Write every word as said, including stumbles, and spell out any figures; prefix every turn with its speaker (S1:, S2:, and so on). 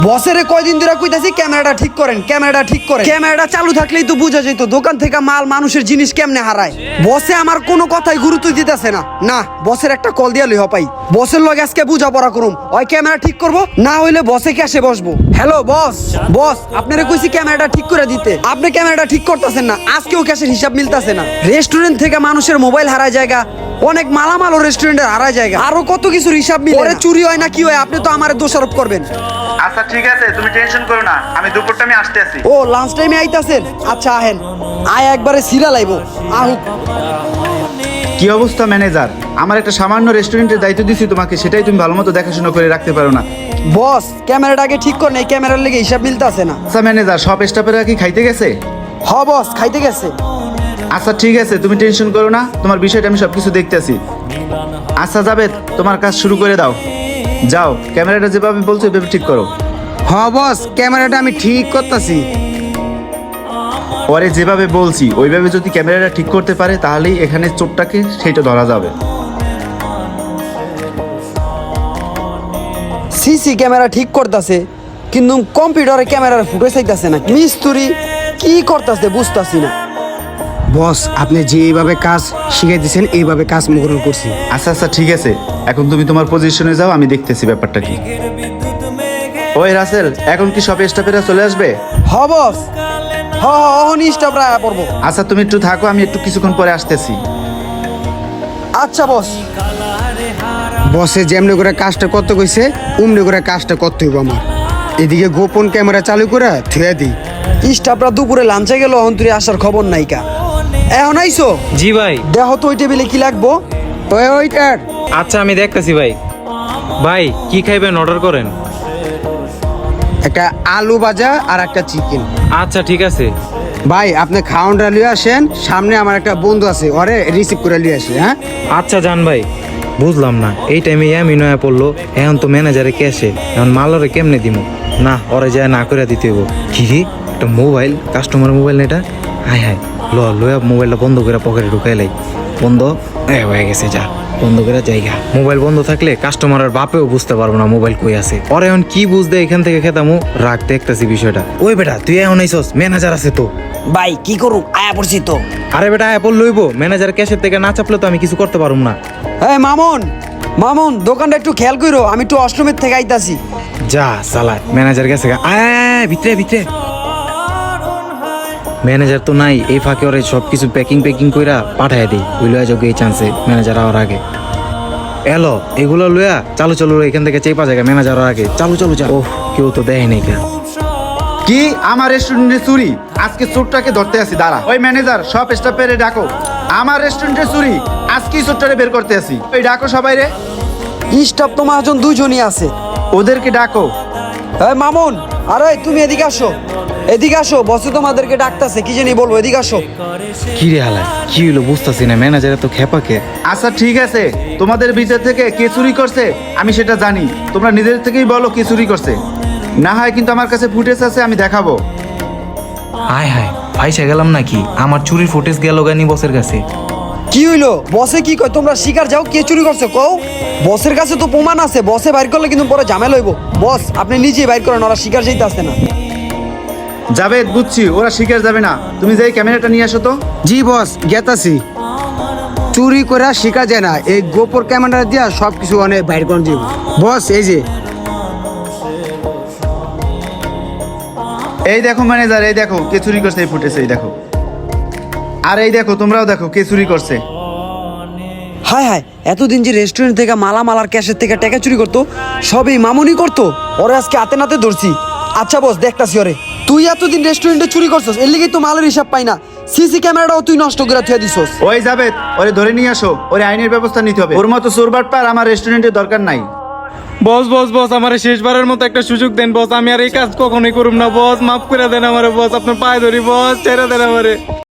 S1: বসেরে কয়দিন ধরে কইতাছি ক্যামেরাটা ঠিক করেন, ক্যামেরাটা ঠিক করেন। ক্যামেরাটা চালু থাকলেই তো বোঝা যেত দোকান থেকে মাল মানুষের জিনিস কেমনে হারায়। বসে আমার কোনো কথাই গুরুত্ব দিতেছে না। না, বসের একটা কল দিয়া লই হপাই। বসের লগে আজকে বুঝাপড়া করুম, ওই ক্যামেরা ঠিক করব, না হইলে বসে ক্যাশে বসবো। হ্যালো বস, বস আপনারে কইছি ক্যামেরাটা ঠিক করে দিতে, আপনি ক্যামেরাটা ঠিক করতেছেন না। আজকেও ক্যাশের হিসাব মিলতাছে না। রেস্টুরেন্ট থেকে মানুষের মোবাইল হারায় জায়গা, অনেক মালামালও রেস্টুরেন্টের হারায় জায়গা, আরো কত কিছুর হিসাব মিলে। পরে চুরি হয় না কি হয় আপনি তো আমারে দোষারোপ করবেন।
S2: আচ্ছা ঠিক আছে, তুমি টেনশন করো না, আমি দুপুরটা আমি আসতে আছি।
S1: ও লাঞ্চ টাইমে আইতাছেন? আচ্ছা আহেন, আয় একবারে সিরা লাইব আহুক।
S2: কি অবস্থা ম্যানেজার? আমার একটা সামান্য রেস্টুরেন্টের দায়িত্ব দিছি তোমাকে, সেটাই তুমি ভালো মতো দেখাশোনা করে রাখতে পারো না।
S1: বস ক্যামেরাটা আগে ঠিক কর, নাই ক্যামেরার লেগে হিসাব মিলতাছে না।
S2: আচ্ছা ম্যানেজার, সব স্টাফেরা কি খাইতে গেছে?
S1: হ বস খাইতে গেছে।
S2: আচ্ছা ঠিক আছে, তুমি টেনশন করো না, তোমার বিষয়টা আমি সবকিছু দেখতেছি। আচ্ছা জাবেদ, তোমার কাজ শুরু করে দাও। যাও, ক্যামেরাটা যেভাবে বলছো ওইভাবে ঠিক করো।
S3: হ বস, ক্যামেরাটা আমি ঠিক করতেছি।
S2: পরে যেভাবে বলছি ওইভাবে যদি ক্যামেরাটা ঠিক করতে পারে তাহলেই এখানে চোরটাকে সেইটা ধরা যাবে।
S1: সিসি ক্যামেরা ঠিক করতেছে, কিন্তু কম্পিউটারে ক্যামেরার ফুটেজ চাইতাছে না। মিস্ত্রি কি করতেছে বুঝতাছি না।
S3: বস আপনি যেভাবে কাজ শিখাই দিয়েছেন এইভাবে কাজ মুগ্রহণ করছি।
S2: আচ্ছা আচ্ছা ঠিক আছে, এখন তুমি তোমার পজিশনে যাও, আমি দেখতেছি ব্যাপারটা কি। ওই রাসেল, এখন কি সব স্টাফেরা চলে আসবে?
S1: হ বস, হ হ অহনি স্টাফ রায়া পড়বো।
S2: আচ্ছা তুমি একটু থাকো, আমি একটু কিছুক্ষণ পরে আসতেছি।
S1: আচ্ছা বস।
S3: বসে যেমনি করে কাজটা করতে কইছে অমনি করে কাজটা করতে হইব আমার। এদিকে গোপন ক্যামেরা চালু করে থুয়ে দিই।
S1: স্টাফরা দুপুরে লাঞ্চে গেল, অহন তুই আসার খবর নাইকা। এখন আইসো?
S4: জি ভাই।
S1: দেহ তো ওই টেবিলে কি লাগবো।
S3: ওই ওইটার
S4: আচ্ছা আমি দেখতেছি ভাই। ভাই কি খাইবেন অর্ডার করেন।
S3: একটা আলু ভাজা আর একটা চিকেন।
S4: আচ্ছা ঠিক আছে।
S3: ভাই আপনি খাওয়ানটা লিয়ে আসেন, সামনে আমার একটা বন্ধু আছে, ওরে রিসিভ করে লিয়ে আসে। হ্যাঁ
S4: আচ্ছা জান ভাই। বুঝলাম না এই টাইমে আমি নয়া পড়লো, এখন তো ম্যানেজারে ক্যাশে, এখন মালরে কেমনে দিব? না ওরে যায় না করে দিতে হইব। কি রে, একটা মোবাইল, কাস্টমার মোবাইল না এটা? হাই হাই, ল লয়া মোবাইলটা বন্ধ করে পকেটে ঢুকাই লাই। বন্ধ এ হয়ে গেছে, যা বন্ধ করে জায়গা। মোবাইল বন্ধ থাকলে কাস্টমারের বাপেও বুঝতে পারবো না মোবাইল কই আছে। ওরে এখন কি বুঝতে এখান থেকে খেতামু, রাখ দেখতেছি বিষয়টা। ওই বেটা তুই এখন আইসস, ম্যানেজার আছে তো।
S1: ভাই কি করুম, আয়া পড়ছি তো।
S4: আরে বেটা অ্যাপল লইব, ম্যানেজার ক্যাশের থেকে না চাপলে তো আমি কিছু করতে পারুম না।
S1: এই মামুন, মামুন দোকানটা একটু খেয়াল কইরো, আমি একটু অষ্টমীর থেকে আইতাছি।
S4: যা চালায় ম্যানেজার গেছে গা। আয় ভিতরে ভিতরে। ম্যানেজার তো নাই, এই ফাঁকে ওরে সব কিছু প্যাকিং প্যাকিং কইরা পাঠায় দিই। ওই লয়া যোগ এই চান্সে ম্যানেজার আওয়ার আগে। এলো এগুলো লয়া চালু চালু এখান থেকে চেপা জায়গা ম্যানেজার আওয়ার আগে। চালু চালু চালু। ওহ কেউ তো দেয় নাই কে।
S2: কি আমার রেস্টুরেন্টে চুরি? আজকে চোরটাকে ধরতে আসি, দাঁড়া। ওই ম্যানেজার সব স্টাফেরে ডাকো, আমার রেস্টুরেন্টে চুরি, আজকেই চোরটারে বের করতে আসি। ওই ডাকো সবাই রে।
S1: স্টাফ তো মহাজন দুইজনই আছে।
S2: ওদেরকে ডাকো।
S1: এই মামুন, আরে তুমি এদিকে আসো, এদিকে আসো, বসে তোমাদেরকে ডাকতাছে, কি জানি বলবো, এদিকে আসো।
S4: কি রে হালায়, কি হইলো বুঝতেছি না, ম্যানেজার তো খেপাকে।
S2: আচ্ছা ঠিক আছে, তোমাদের ভিতর থেকে কে চুরি করছে আমি সেটা জানি, তোমরা নিজের থেকেই বলো কে চুরি করছে। না হয় কিন্তু আমার কাছে ফুটেজ আছে, আমি দেখাবো।
S4: হায় হায় ফাইসা গেলাম নাকি? আমার চুরির ফুটেজ গেল গানি বসের কাছে।
S1: কি হইলো? বসে কি কয় তোমরা শিকার যাও, কে চুরি করছে কও। বসের কাছে তো প্রমাণ আছে, বসে বাইর করলে কিন্তু পরে ঝামেলা হইব। বস আপনি নিজেই বাইর করেন, ওরা শিকার যাইতে আসছে না।
S2: যাবে বুঝছি, ওরা শিকার যাবে না, তুমি যাই ক্যামেরাটা নিয়ে আসো তো।
S3: জি বস গেতাছি। চুরি করে শিখা যায় না, এই গোপর ক্যামেরা দিয়া সব কিছু অনেক বাইর করে দিব। বস এই যে
S2: এই দেখো ম্যানেজার, এই দেখো কে চুরি করছে এই ফুটেজ, এই দেখো। আর এই দেখো তোমরাও দেখো কে চুরি করছে।
S1: হায় হায়, এতদিন যে রেস্টুরেন্ট থেকে মালামাল আর ক্যাশের থেকে টাকা চুরি করতো সবই মামুনি করতো, ওরে আজকে হাতে নাতে ধরছি। আচ্ছা বস দেখতাছি ওরে। তুই এতদিন রেস্টুরেন্টে চুরি করছস, এর লিগেই তো মালের হিসাব পাই না। সিসি ক্যামেরাটাও তুই নষ্ট করে থুয়ে দিছস।
S2: ওই যাবে, ওরে ধরে নিয়ে আসো, ওরে আইনের ব্যবস্থা নিতে হবে। ওর মতো চোরবাট পার আমার রেস্টুরেন্টের দরকার নাই।
S4: বস বস বস আমার শেষবারের মতো একটা সুযোগ দেন বস, আমি আর এই কাজ কখনোই করুম না বস, মাফ করে দেন আমারে বস, আপনার পায়ে ধরি বস, ছেড়ে দেন আমারে।